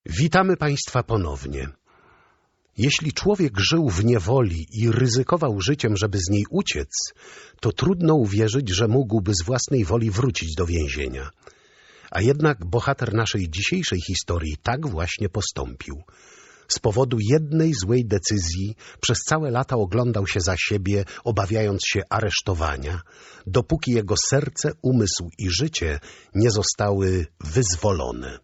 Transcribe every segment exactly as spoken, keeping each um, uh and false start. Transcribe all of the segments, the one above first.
Witamy Państwa ponownie. Jeśli człowiek żył w niewoli i ryzykował życiem, żeby z niej uciec, to trudno uwierzyć, że mógłby z własnej woli wrócić do więzienia. A jednak bohater naszej dzisiejszej historii tak właśnie postąpił. Z powodu jednej złej decyzji przez całe lata oglądał się za siebie, obawiając się aresztowania, dopóki jego serce, umysł i życie nie zostały wyzwolone.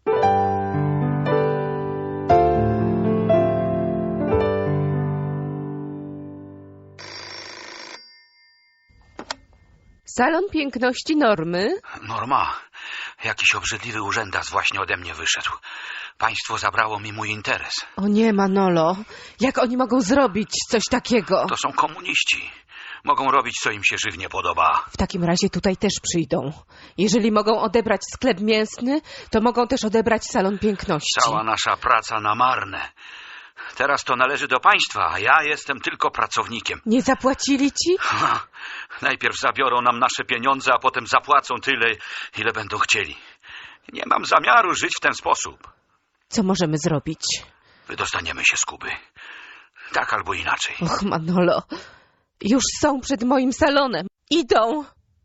Salon piękności Normy? Norma, jakiś obrzydliwy urzędas właśnie ode mnie wyszedł. Państwo zabrało mi mój interes. O nie, Manolo. Jak oni mogą zrobić coś takiego? To są komuniści. Mogą robić, co im się żywnie podoba. W takim razie tutaj też przyjdą. Jeżeli mogą odebrać sklep mięsny, to mogą też odebrać salon piękności. Cała nasza praca na marne. Teraz to należy do państwa, a ja jestem tylko pracownikiem. Nie zapłacili ci? Ha, najpierw zabiorą nam nasze pieniądze, a potem zapłacą tyle, ile będą chcieli. Nie mam zamiaru żyć w ten sposób. Co możemy zrobić? Wydostaniemy się z Kuby. Tak albo inaczej. Och, Manolo. Już są przed moim salonem. Idą.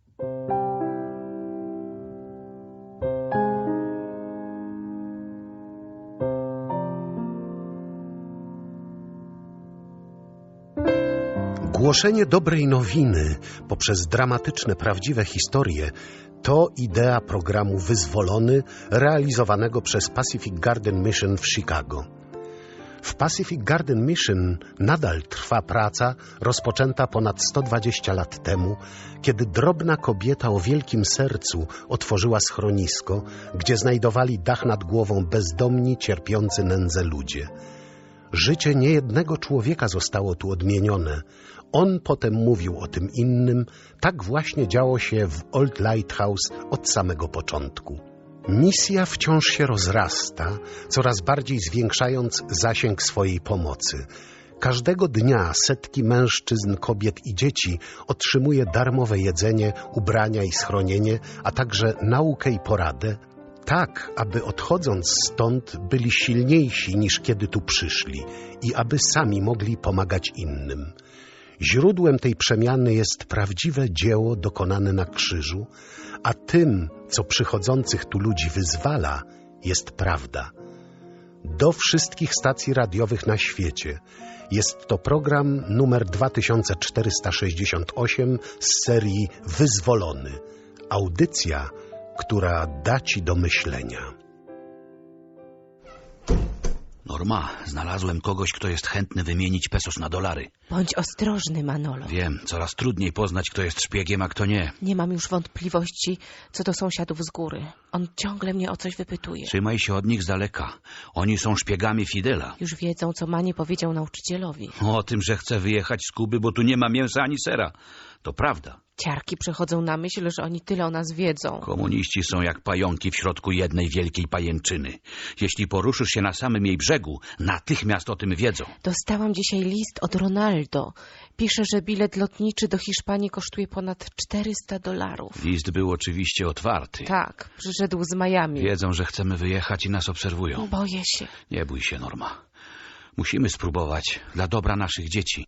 Głoszenie dobrej nowiny poprzez dramatyczne, prawdziwe historie to idea programu Wyzwolony, realizowanego przez Pacific Garden Mission w Chicago. W Pacific Garden Mission nadal trwa praca rozpoczęta ponad sto dwadzieścia lat temu, kiedy drobna kobieta o wielkim sercu otworzyła schronisko, gdzie znajdowali dach nad głową bezdomni, cierpiący nędzę ludzie. Życie niejednego człowieka zostało tu odmienione. On potem mówił o tym innym. Tak właśnie działo się w Old Lighthouse od samego początku. Misja wciąż się rozrasta, coraz bardziej zwiększając zasięg swojej pomocy. Każdego dnia setki mężczyzn, kobiet i dzieci otrzymuje darmowe jedzenie, ubrania i schronienie, a także naukę i poradę, tak, aby odchodząc stąd byli silniejsi niż kiedy tu przyszli i aby sami mogli pomagać innym. Źródłem tej przemiany jest prawdziwe dzieło dokonane na krzyżu, a tym, co przychodzących tu ludzi wyzwala, jest prawda. Do wszystkich stacji radiowych na świecie. Jest to program numer dwa tysiące czterysta sześćdziesiąt osiem z serii Wyzwolony. Audycja, która da ci do myślenia. Norma, znalazłem kogoś, kto jest chętny wymienić pesos na dolary. Bądź ostrożny, Manolo. Wiem, coraz trudniej poznać, kto jest szpiegiem, a kto nie. Nie mam już wątpliwości co do sąsiadów z góry. On ciągle mnie o coś wypytuje. Trzymaj się od nich z daleka. Oni są szpiegami Fidela. Już wiedzą, co Manie powiedział nauczycielowi. O tym, że chce wyjechać z Kuby, bo tu nie ma mięsa ani sera. To prawda. Ciarki przychodzą na myśl, że oni tyle o nas wiedzą. Komuniści są jak pająki w środku jednej wielkiej pajęczyny. Jeśli poruszysz się na samym jej brzegu, natychmiast o tym wiedzą. Dostałam dzisiaj list od Ronaldo. Pisze, że bilet lotniczy do Hiszpanii kosztuje ponad czterysta dolarów. List był oczywiście otwarty. Tak, przyszedł z Miami. Wiedzą, że chcemy wyjechać i nas obserwują. Boję się. Nie bój się, Norma. Musimy spróbować dla dobra naszych dzieci.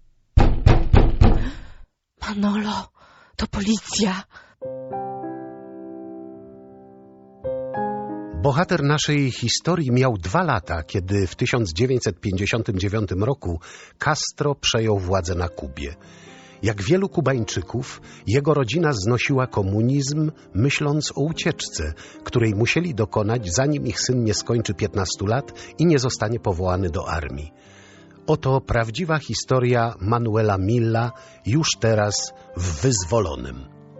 Manolo, to policja. Bohater naszej historii miał dwa lata, kiedy w tysiąc dziewięćset pięćdziesiątym dziewiątym roku Castro przejął władzę na Kubie. Jak wielu Kubańczyków, jego rodzina znosiła komunizm, myśląc o ucieczce, której musieli dokonać, zanim ich syn nie skończy piętnastu lat i nie zostanie powołany do armii. Oto prawdziwa historia Manuela Milla, już teraz w Wyzwolonym.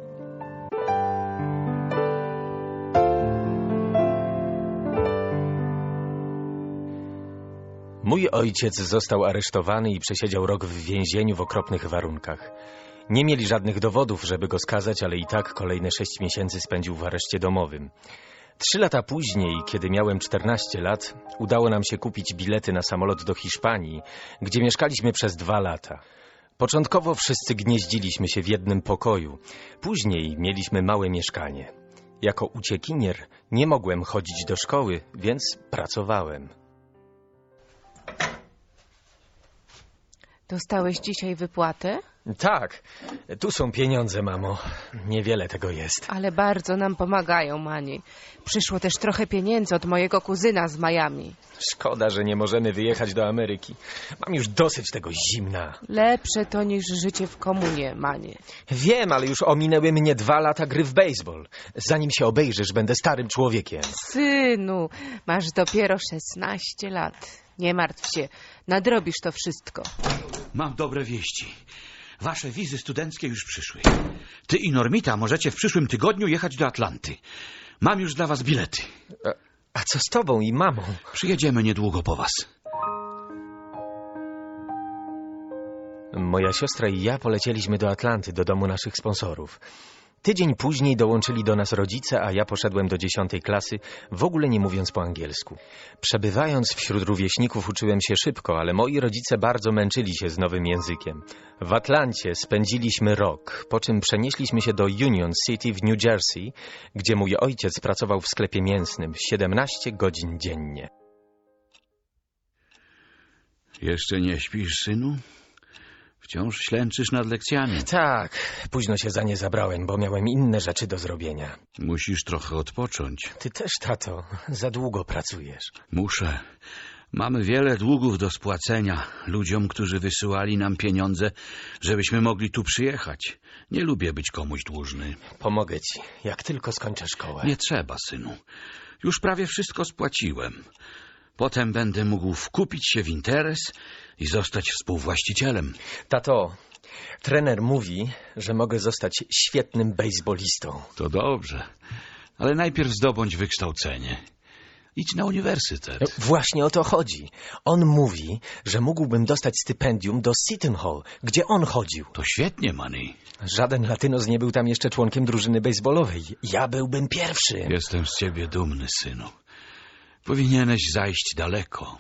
Mój ojciec został aresztowany i przesiedział rok w więzieniu w okropnych warunkach. Nie mieli żadnych dowodów, żeby go skazać, ale i tak kolejne sześć miesięcy spędził w areszcie domowym. Trzy lata później, kiedy miałem czternaście lat, udało nam się kupić bilety na samolot do Hiszpanii, gdzie mieszkaliśmy przez dwa lata. Początkowo wszyscy gnieździliśmy się w jednym pokoju. Później mieliśmy małe mieszkanie. Jako uciekinier nie mogłem chodzić do szkoły, więc pracowałem. Dostałeś dzisiaj wypłatę? Tak, tu są pieniądze, mamo. Niewiele tego jest. Ale bardzo nam pomagają, Mani. Przyszło też trochę pieniędzy od mojego kuzyna z Miami. Szkoda, że nie możemy wyjechać do Ameryki. Mam już dosyć tego zimna. Lepsze to niż życie w komunie, Mani. Wiem, ale już ominęły mnie dwa lata gry w baseball. Zanim się obejrzysz, będę starym człowiekiem. Synu, masz dopiero szesnaście lat. Nie martw się, nadrobisz to wszystko. Mam dobre wieści. Wasze wizy studenckie już przyszły. Ty i Normita możecie w przyszłym tygodniu jechać do Atlanty. Mam już dla was bilety. A, a co z tobą i mamą? Przyjedziemy niedługo po was. Moja siostra i ja polecieliśmy do Atlanty, do domu naszych sponsorów. Tydzień później dołączyli do nas rodzice, a ja poszedłem do dziesiątej klasy, w ogóle nie mówiąc po angielsku. Przebywając wśród rówieśników uczyłem się szybko, ale moi rodzice bardzo męczyli się z nowym językiem. W Atlancie spędziliśmy rok, po czym przenieśliśmy się do Union City w New Jersey, gdzie mój ojciec pracował w sklepie mięsnym siedemnaście godzin dziennie. Jeszcze nie śpisz, synu? Wciąż ślęczysz nad lekcjami. Tak, późno się za nie zabrałem, bo miałem inne rzeczy do zrobienia. Musisz trochę odpocząć. Ty też, tato, za długo pracujesz. Muszę. Mamy wiele długów do spłacenia ludziom, którzy wysyłali nam pieniądze, żebyśmy mogli tu przyjechać. Nie lubię być komuś dłużny. Pomogę ci, jak tylko skończę szkołę. Nie trzeba, synu. Już prawie wszystko spłaciłem. Potem będę mógł wkupić się w interes i zostać współwłaścicielem. Tato, trener mówi, że mogę zostać świetnym bejsbolistą. To dobrze, ale najpierw zdobądź wykształcenie. Idź na uniwersytet. Właśnie o to chodzi. On mówi, że mógłbym dostać stypendium do Seton Hall, gdzie on chodził. To świetnie, Manny. Żaden Latynos nie był tam jeszcze członkiem drużyny bejsbolowej. Ja byłbym pierwszy. Jestem z ciebie dumny, synu. Powinieneś zajść daleko.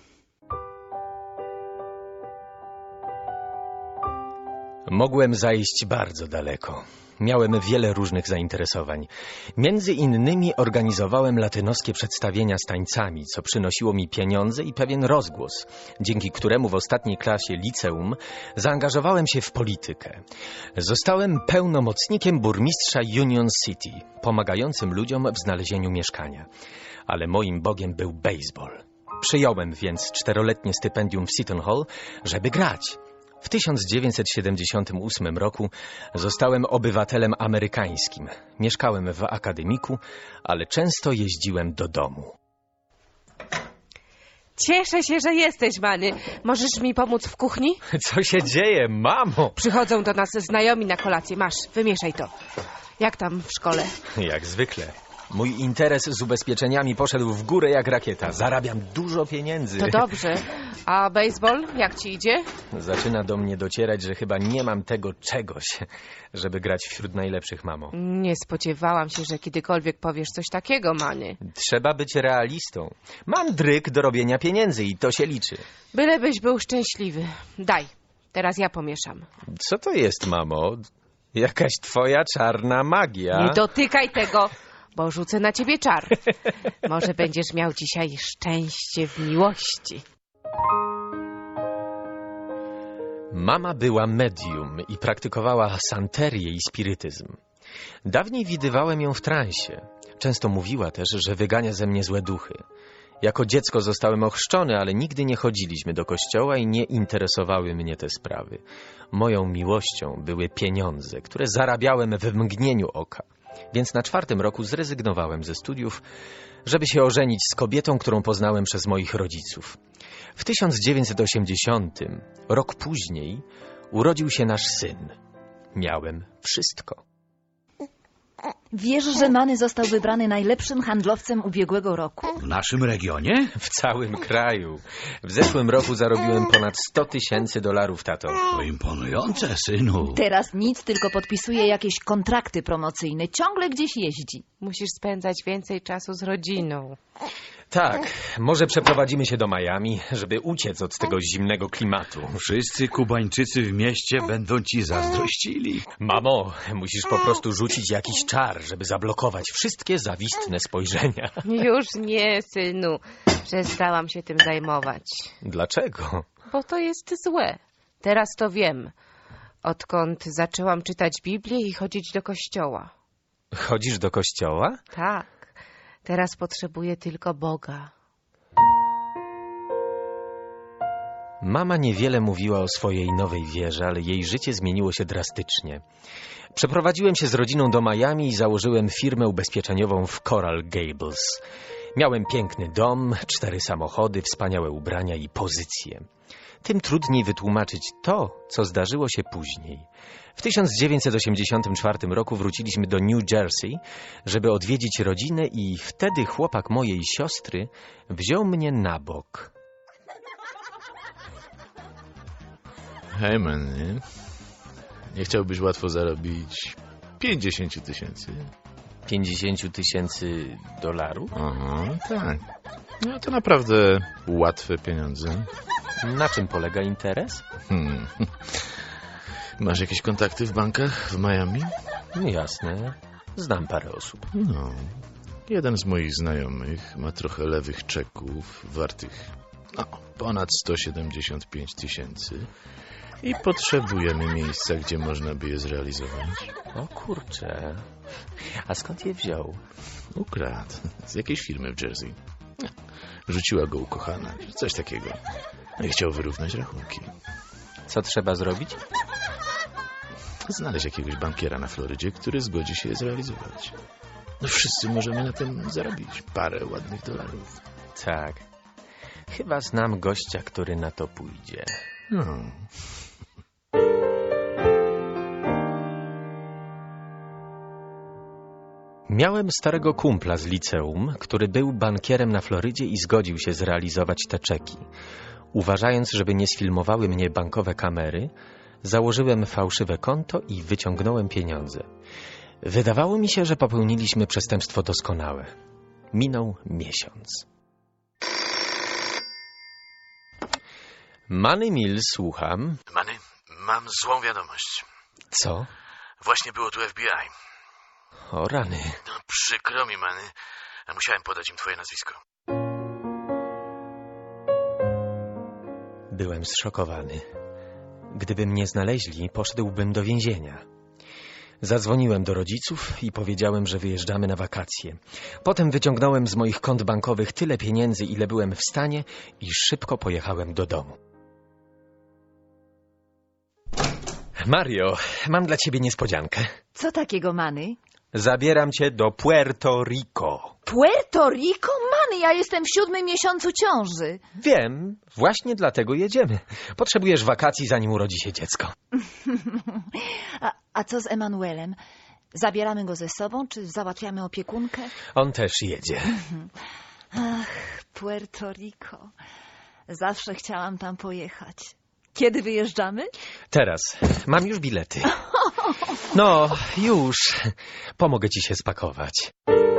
Mogłem zajść bardzo daleko. Miałem wiele różnych zainteresowań. Między innymi organizowałem latynoskie przedstawienia z tańcami, co przynosiło mi pieniądze i pewien rozgłos, dzięki któremu w ostatniej klasie liceum zaangażowałem się w politykę. Zostałem pełnomocnikiem burmistrza Union City, pomagającym ludziom w znalezieniu mieszkania. Ale moim bogiem był baseball. Przyjąłem więc czteroletnie stypendium w Seton Hall, żeby grać. W tysiąc dziewięćset siedemdziesiątym ósmym roku zostałem obywatelem amerykańskim. Mieszkałem w akademiku, ale często jeździłem do domu. Cieszę się, że jesteś, Manny. Możesz mi pomóc w kuchni? Co się dzieje, mamo? Przychodzą do nas znajomi na kolację. Masz, wymieszaj to. Jak tam w szkole? Jak zwykle. Mój interes z ubezpieczeniami poszedł w górę jak rakieta. Zarabiam dużo pieniędzy. To dobrze. A baseball, jak ci idzie? Zaczyna do mnie docierać, że chyba nie mam tego czegoś, żeby grać wśród najlepszych, mamo. Nie spodziewałam się, że kiedykolwiek powiesz coś takiego, Manny. Trzeba być realistą. Mam dryg do robienia pieniędzy i to się liczy. Bylebyś był szczęśliwy. Daj, teraz ja pomieszam. Co to jest, mamo? Jakaś twoja czarna magia? Nie dotykaj tego, bo rzucę na ciebie czar. Może będziesz miał dzisiaj szczęście w miłości. Mama była medium i praktykowała santerię i spirytyzm. Dawniej widywałem ją w transie. Często mówiła też, że wygania ze mnie złe duchy. Jako dziecko zostałem ochrzczony, ale nigdy nie chodziliśmy do kościoła i nie interesowały mnie te sprawy. Moją miłością były pieniądze, które zarabiałem w mgnieniu oka. Więc na czwartym roku zrezygnowałem ze studiów, żeby się ożenić z kobietą, którą poznałem przez moich rodziców. W tysiąc dziewięćset osiemdziesiątym, rok później, urodził się nasz syn. Miałem wszystko. Wiesz, że Manny został wybrany najlepszym handlowcem ubiegłego roku? W naszym regionie? W całym kraju. W zeszłym roku zarobiłem ponad sto tysięcy dolarów, tato. To imponujące, synu. Teraz nic, tylko podpisuje jakieś kontrakty promocyjne. Ciągle gdzieś jeździ. Musisz spędzać więcej czasu z rodziną. Tak, może przeprowadzimy się do Miami, żeby uciec od tego zimnego klimatu. Wszyscy Kubańczycy w mieście będą ci zazdrościli. Mamo, musisz po prostu rzucić jakiś czar, żeby zablokować wszystkie zawistne spojrzenia. Już nie, synu. Przestałam się tym zajmować. Dlaczego? Bo to jest złe. Teraz to wiem, odkąd zaczęłam czytać Biblię i chodzić do kościoła. Chodzisz do kościoła? Tak, teraz potrzebuję tylko Boga. Mama niewiele mówiła o swojej nowej wierze, ale jej życie zmieniło się drastycznie. Przeprowadziłem się z rodziną do Miami i założyłem firmę ubezpieczeniową w Coral Gables. Miałem piękny dom, cztery samochody, wspaniałe ubrania i pozycje. Tym trudniej wytłumaczyć to, co zdarzyło się później. W tysiąc dziewięćset osiemdziesiątym czwartym roku wróciliśmy do New Jersey, żeby odwiedzić rodzinę i wtedy chłopak mojej siostry wziął mnie na bok. Hej, man, nie chciałbyś łatwo zarobić pięćdziesiąt tysięcy? pięćdziesiąt tysięcy dolarów? Aha, tak. No to naprawdę łatwe pieniądze. Na czym polega interes? Hmm. Masz jakieś kontakty w bankach w Miami? Jasne, znam parę osób. No. Jeden z moich znajomych ma trochę lewych czeków wartych no, ponad sto siedemdziesiąt pięć tysięcy i potrzebujemy miejsca, gdzie można by je zrealizować. O kurczę, a skąd je wziął? Ukradł. Z jakiejś firmy w Jersey. Rzuciła go ukochana, coś takiego. No i chciał wyrównać rachunki. Co trzeba zrobić? Znaleźć jakiegoś bankiera na Florydzie, który zgodzi się je zrealizować. No wszyscy możemy na tym zarobić parę ładnych dolarów. Tak. Chyba znam gościa, który na to pójdzie. No. Miałem starego kumpla z liceum, który był bankierem na Florydzie i zgodził się zrealizować te czeki. Uważając, żeby nie sfilmowały mnie bankowe kamery, założyłem fałszywe konto i wyciągnąłem pieniądze. Wydawało mi się, że popełniliśmy przestępstwo doskonałe. Minął miesiąc. Manny Mills, słucham. Manny, mam złą wiadomość. Co? Właśnie było tu F B I. O rany. No przykro mi, Manny. Musiałem podać im twoje nazwisko. Byłem zszokowany. Gdyby mnie znaleźli, poszedłbym do więzienia. Zadzwoniłem do rodziców i powiedziałem, że wyjeżdżamy na wakacje. Potem wyciągnąłem z moich kont bankowych tyle pieniędzy, ile byłem w stanie i szybko pojechałem do domu. Mario, mam dla ciebie niespodziankę. Co takiego, Manny? Zabieram cię do Puerto Rico. Puerto Rico? Manny, ja jestem w siódmym miesiącu ciąży. Wiem, właśnie dlatego jedziemy. Potrzebujesz wakacji, zanim urodzi się dziecko. a, a co z Emanuelem? Zabieramy go ze sobą, czy załatwiamy opiekunkę? On też jedzie. Ach, Puerto Rico. Zawsze chciałam tam pojechać. Kiedy wyjeżdżamy? Teraz. Mam już bilety. No, już. Pomogę ci się spakować.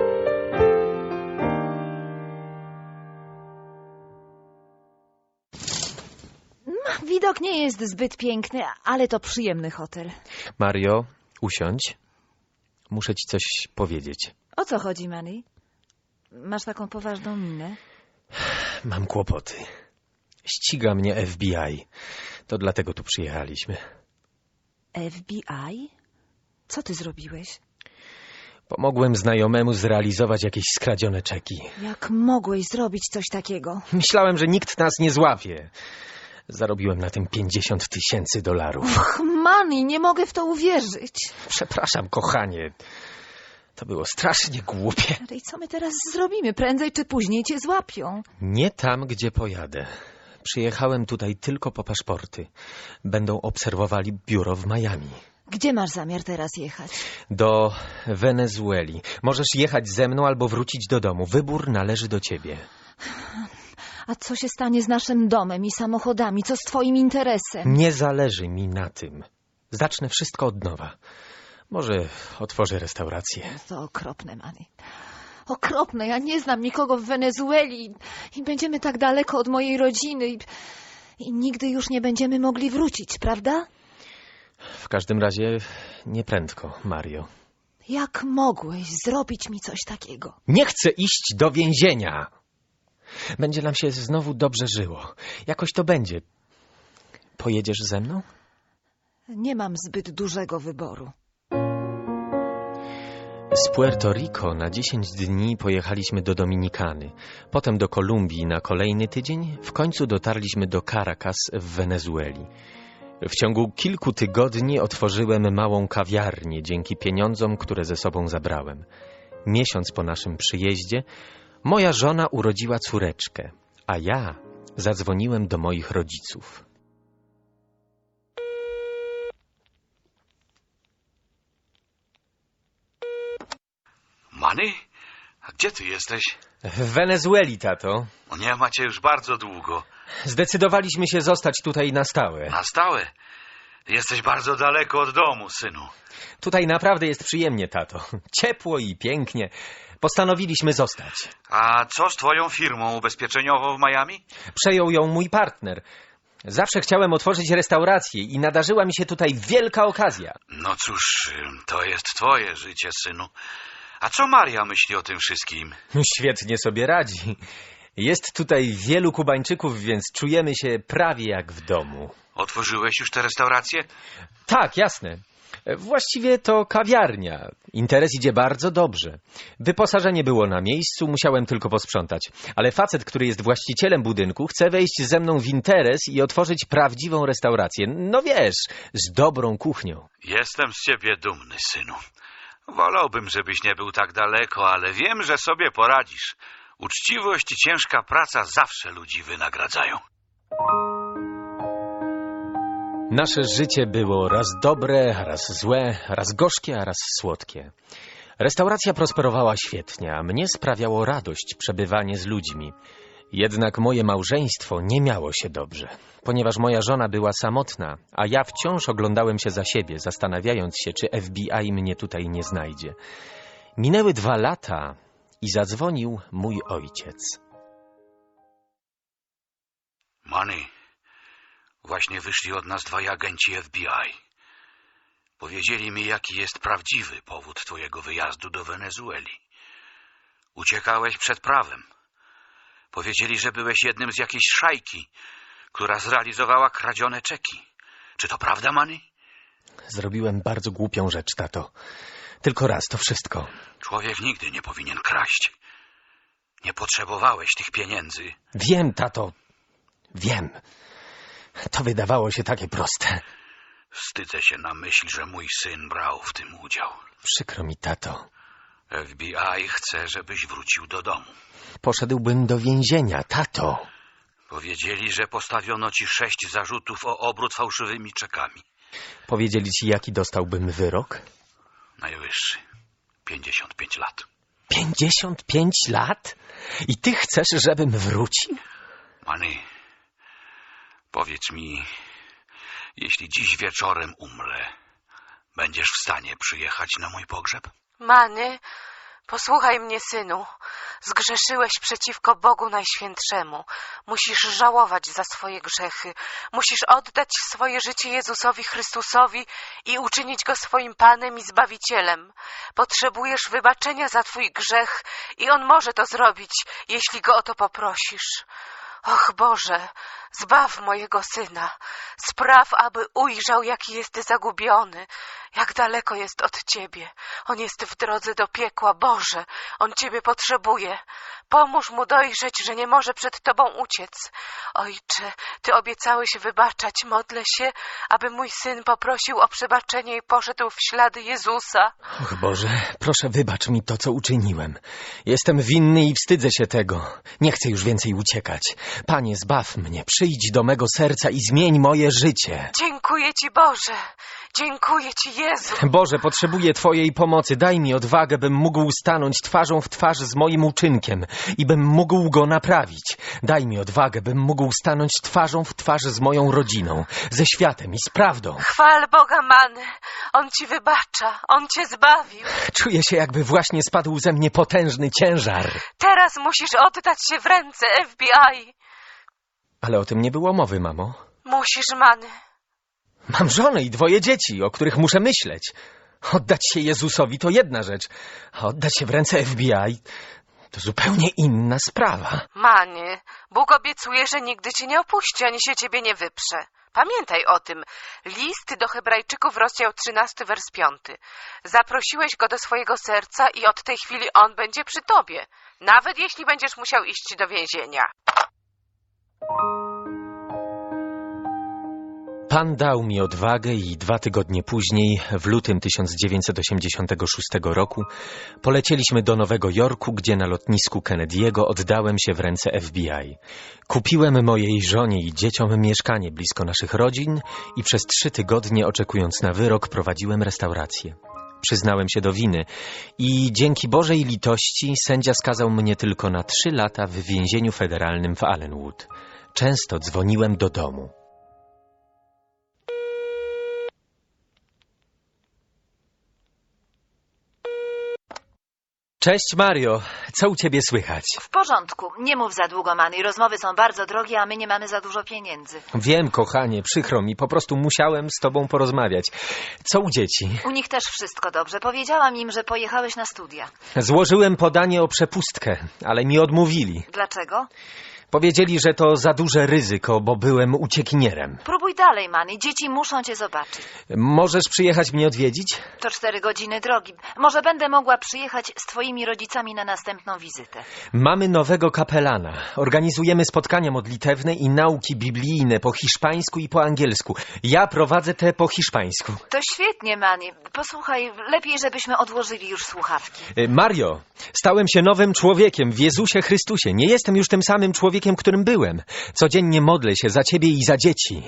Widok nie jest zbyt piękny, ale to przyjemny hotel. Mario, usiądź. Muszę ci coś powiedzieć. O co chodzi, Manny? Masz taką poważną minę. Mam kłopoty. Ściga mnie F B I. To dlatego tu przyjechaliśmy. F B I? Co ty zrobiłeś? Pomogłem znajomemu zrealizować jakieś skradzione czeki. Jak mogłeś zrobić coś takiego? Myślałem, że nikt nas nie złapie. Zarobiłem na tym pięćdziesiąt tysięcy dolarów. Och, Manny, nie mogę w to uwierzyć. Przepraszam, kochanie. To było strasznie głupie. Ale i co my teraz zrobimy? Prędzej czy później cię złapią. Nie tam, gdzie pojadę. Przyjechałem tutaj tylko po paszporty. Będą obserwowali biuro w Miami. Gdzie masz zamiar teraz jechać? Do Wenezueli. Możesz jechać ze mną albo wrócić do domu. Wybór należy do ciebie. A co się stanie z naszym domem i samochodami? Co z twoim interesem? Nie zależy mi na tym. Zacznę wszystko od nowa. Może otworzę restaurację. To okropne, Manny. Okropne. Ja nie znam nikogo w Wenezueli i będziemy tak daleko od mojej rodziny i, i nigdy już nie będziemy mogli wrócić, prawda? W każdym razie nie prędko, Mario. Jak mogłeś zrobić mi coś takiego? Nie chcę iść do więzienia. Będzie nam się znowu dobrze żyło. Jakoś to będzie. Pojedziesz ze mną? Nie mam zbyt dużego wyboru. Z Puerto Rico na dziesięć dni pojechaliśmy do Dominikany, potem do Kolumbii na kolejny tydzień, w końcu dotarliśmy do Caracas w Wenezueli. W ciągu kilku tygodni otworzyłem małą kawiarnię dzięki pieniądzom, które ze sobą zabrałem. Miesiąc po naszym przyjeździe moja żona urodziła córeczkę, a ja zadzwoniłem do moich rodziców. Manny? A gdzie ty jesteś? W Wenezueli, tato. No nie macie już bardzo długo. Zdecydowaliśmy się zostać tutaj na stałe. Na stałe? Jesteś bardzo daleko od domu, synu. Tutaj naprawdę jest przyjemnie, tato. Ciepło i pięknie. Postanowiliśmy zostać. A co z twoją firmą ubezpieczeniową w Miami? Przejął ją mój partner. Zawsze chciałem otworzyć restaurację i nadarzyła mi się tutaj wielka okazja. No cóż, to jest twoje życie, synu. A co Maria myśli o tym wszystkim? Świetnie sobie radzi. Jest tutaj wielu Kubańczyków, więc czujemy się prawie jak w domu. Otworzyłeś już tę restaurację? Tak, jasne. Właściwie to kawiarnia. Interes idzie bardzo dobrze. Wyposażenie było na miejscu, musiałem tylko posprzątać. Ale facet, który jest właścicielem budynku, chce wejść ze mną w interes i otworzyć prawdziwą restaurację. No wiesz, z dobrą kuchnią. Jestem z ciebie dumny, synu. Wolałbym, żebyś nie był tak daleko, ale wiem, że sobie poradzisz. Uczciwość i ciężka praca zawsze ludzi wynagradzają. Nasze życie było raz dobre, raz złe, raz gorzkie, a raz słodkie. Restauracja prosperowała świetnie, a mnie sprawiało radość przebywanie z ludźmi. Jednak moje małżeństwo nie miało się dobrze, ponieważ moja żona była samotna, a ja wciąż oglądałem się za siebie, zastanawiając się, czy F B I mnie tutaj nie znajdzie. Minęły dwa lata i zadzwonił mój ojciec. Manny, właśnie wyszli od nas dwaj agenci F B I. Powiedzieli mi, jaki jest prawdziwy powód twojego wyjazdu do Wenezueli. Uciekałeś przed prawem. Powiedzieli, że byłeś jednym z jakiejś szajki, która zrealizowała kradzione czeki. Czy to prawda, Manny? Zrobiłem bardzo głupią rzecz, tato. Tylko raz, to wszystko. Człowiek nigdy nie powinien kraść. Nie potrzebowałeś tych pieniędzy. Wiem, tato. Wiem. To wydawało się takie proste. Wstydzę się na myśl, że mój syn brał w tym udział. Przykro mi, tato. F B I chce, żebyś wrócił do domu. Poszedłbym do więzienia, tato. Powiedzieli, że postawiono ci sześć zarzutów o obrót fałszywymi czekami. Powiedzieli ci, jaki dostałbym wyrok? Najwyższy. pięćdziesiąt pięć lat. Pięćdziesiąt pięć lat? I ty chcesz, żebym wrócił? Manny, powiedz mi, jeśli dziś wieczorem umrę, będziesz w stanie przyjechać na mój pogrzeb? Manny, posłuchaj mnie, synu. Zgrzeszyłeś przeciwko Bogu Najświętszemu. Musisz żałować za swoje grzechy. Musisz oddać swoje życie Jezusowi Chrystusowi i uczynić Go swoim Panem i Zbawicielem. Potrzebujesz wybaczenia za twój grzech i On może to zrobić, jeśli Go o to poprosisz. Och Boże, zbaw mojego syna. Spraw, aby ujrzał, jaki jest zagubiony, jak daleko jest od Ciebie. On jest w drodze do piekła. Boże, on Ciebie potrzebuje. Pomóż mu dojrzeć, że nie może przed Tobą uciec. Ojcze, Ty obiecałeś wybaczać. Modlę się, aby mój syn poprosił o przebaczenie i poszedł w ślady Jezusa. Och Boże, proszę wybacz mi to, co uczyniłem. Jestem winny i wstydzę się tego. Nie chcę już więcej uciekać. Panie, zbaw mnie, przyjdź do mego serca i zmień moje życie. Dziękuję Ci, Boże. Dziękuję Ci, Jezu. Boże, potrzebuję Twojej pomocy. Daj mi odwagę, bym mógł stanąć twarzą w twarz z moim uczynkiem i bym mógł go naprawić. Daj mi odwagę, bym mógł stanąć twarzą w twarz z moją rodziną, ze światem i z prawdą. Chwal Boga, Manny. On Ci wybacza. On Cię zbawił. Czuję się, jakby właśnie spadł ze mnie potężny ciężar. Teraz musisz oddać się w ręce F B I. Ale o tym nie było mowy, mamo. Musisz, Manny. Mam żonę i dwoje dzieci, o których muszę myśleć. Oddać się Jezusowi to jedna rzecz, a oddać się w ręce F B I To zupełnie inna sprawa. Manie, Bóg obiecuje, że nigdy cię nie opuści, ani się ciebie nie wyprze. Pamiętaj o tym. List do Hebrajczyków, rozdział trzynasty, wers piąty. Zaprosiłeś go do swojego serca i od tej chwili on będzie przy tobie. Nawet jeśli będziesz musiał iść do więzienia. Pan dał mi odwagę i dwa tygodnie później, w lutym tysiąc dziewięćset osiemdziesiątego szóstego roku, polecieliśmy do Nowego Jorku, gdzie na lotnisku Kennedy'ego oddałem się w ręce F B I. Kupiłem mojej żonie i dzieciom mieszkanie blisko naszych rodzin i przez trzy tygodnie, oczekując na wyrok, prowadziłem restaurację. Przyznałem się do winy i dzięki Bożej litości sędzia skazał mnie tylko na trzy lata w więzieniu federalnym w Allenwood. Często dzwoniłem do domu. Cześć, Mario. Co u ciebie słychać? W porządku. Nie mów za długo, Manny. Rozmowy są bardzo drogie, a my nie mamy za dużo pieniędzy. Wiem, kochanie, przykro mi. Po prostu musiałem z tobą porozmawiać. Co u dzieci? U nich też wszystko dobrze. Powiedziałam im, że pojechałeś na studia. Złożyłem podanie o przepustkę, ale mi odmówili. Dlaczego? Powiedzieli, że to za duże ryzyko, bo byłem uciekinierem. Próbuj dalej, Manny. Dzieci muszą cię zobaczyć. Możesz przyjechać mnie odwiedzić? To cztery godziny drogi. Może będę mogła przyjechać z twoimi rodzicami na następną wizytę. Mamy nowego kapelana. Organizujemy spotkania modlitewne i nauki biblijne po hiszpańsku i po angielsku. Ja prowadzę te po hiszpańsku. To świetnie, Manny. Posłuchaj, lepiej, żebyśmy odłożyli już słuchawki. Mario, stałem się nowym człowiekiem w Jezusie Chrystusie. Nie jestem już tym samym człowiekiem, którym byłem. Codziennie modlę się za ciebie i za dzieci.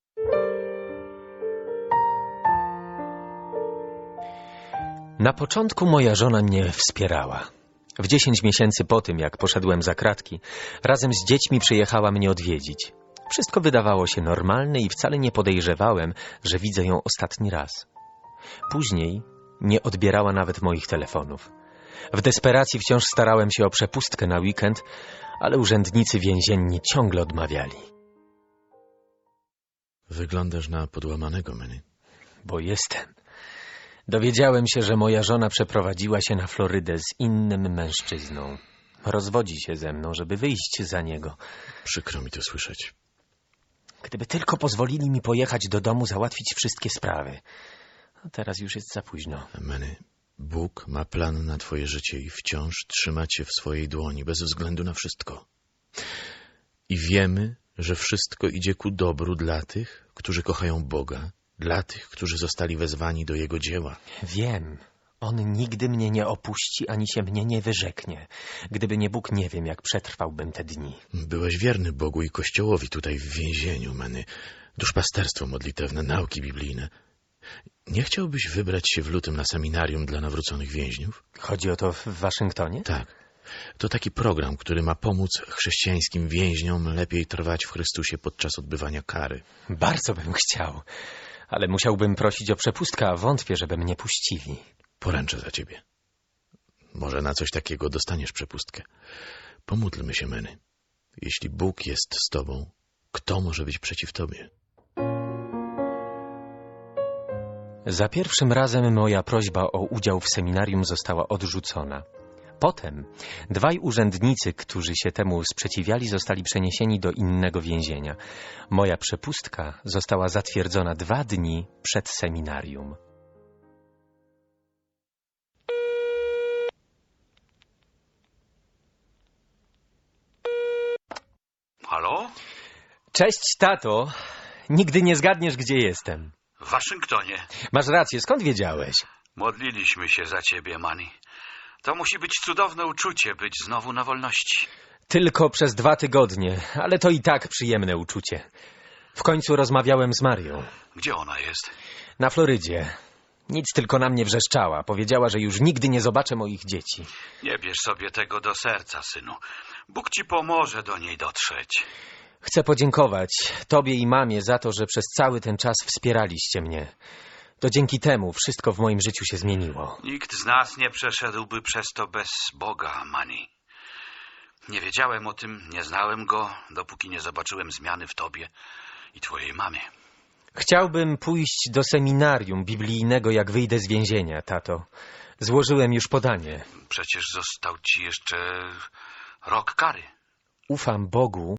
Na początku moja żona mnie wspierała. W dziesięć miesięcy po tym, jak poszedłem za kratki, razem z dziećmi przyjechała mnie odwiedzić. Wszystko wydawało się normalne i wcale nie podejrzewałem, że widzę ją ostatni raz. Później nie odbierała nawet moich telefonów. W desperacji wciąż starałem się o przepustkę na weekend, ale urzędnicy więzienni ciągle odmawiali. Wyglądasz na podłamanego, Manny. Bo jestem. Dowiedziałem się, że moja żona przeprowadziła się na Florydę z innym mężczyzną. Rozwodzi się ze mną, żeby wyjść za niego. Przykro mi to słyszeć. Gdyby tylko pozwolili mi pojechać do domu, załatwić wszystkie sprawy. A teraz już jest za późno. Manny, Bóg ma plan na twoje życie i wciąż trzyma cię w swojej dłoni, bez względu na wszystko. I wiemy, że wszystko idzie ku dobru dla tych, którzy kochają Boga, dla tych, którzy zostali wezwani do Jego dzieła. Wiem. On nigdy mnie nie opuści, ani się mnie nie wyrzeknie. Gdyby nie Bóg, nie wiem, jak przetrwałbym te dni. Byłeś wierny Bogu i Kościołowi tutaj w więzieniu, Manny. Duszpasterstwo modlitewne, nauki biblijne. Nie chciałbyś wybrać się w lutym na seminarium dla nawróconych więźniów? Chodzi o to w Waszyngtonie? Tak. To taki program, który ma pomóc chrześcijańskim więźniom lepiej trwać w Chrystusie podczas odbywania kary. Bardzo bym chciał, ale musiałbym prosić o przepustkę, a wątpię, żeby mnie puścili. Poręczę za ciebie. Może na coś takiego dostaniesz przepustkę. Pomódlmy się, Manny. Jeśli Bóg jest z tobą, kto może być przeciw tobie? Za pierwszym razem moja prośba o udział w seminarium została odrzucona. Potem dwaj urzędnicy, którzy się temu sprzeciwiali, zostali przeniesieni do innego więzienia. Moja przepustka została zatwierdzona dwa dni przed seminarium. Halo? Cześć, tato. Nigdy nie zgadniesz, gdzie jestem. W Waszyngtonie. Masz rację, skąd wiedziałeś? Modliliśmy się za ciebie, Manny. To musi być cudowne uczucie, być znowu na wolności. Tylko przez dwa tygodnie, ale to i tak przyjemne uczucie. W końcu rozmawiałem z Marią. Gdzie ona jest? Na Florydzie. Nic, tylko na mnie wrzeszczała. Powiedziała, że już nigdy nie zobaczę moich dzieci. Nie bierz sobie tego do serca, synu. Bóg ci pomoże do niej dotrzeć. Chcę podziękować tobie i mamie za to, że przez cały ten czas wspieraliście mnie. To dzięki temu wszystko w moim życiu się zmieniło. Nikt z nas nie przeszedłby przez to bez Boga, Manny. Nie wiedziałem o tym, nie znałem Go, dopóki nie zobaczyłem zmiany w tobie i twojej mamie. Chciałbym pójść do seminarium biblijnego, jak wyjdę z więzienia, tato. Złożyłem już podanie. Przecież został ci jeszcze rok kary. Ufam Bogu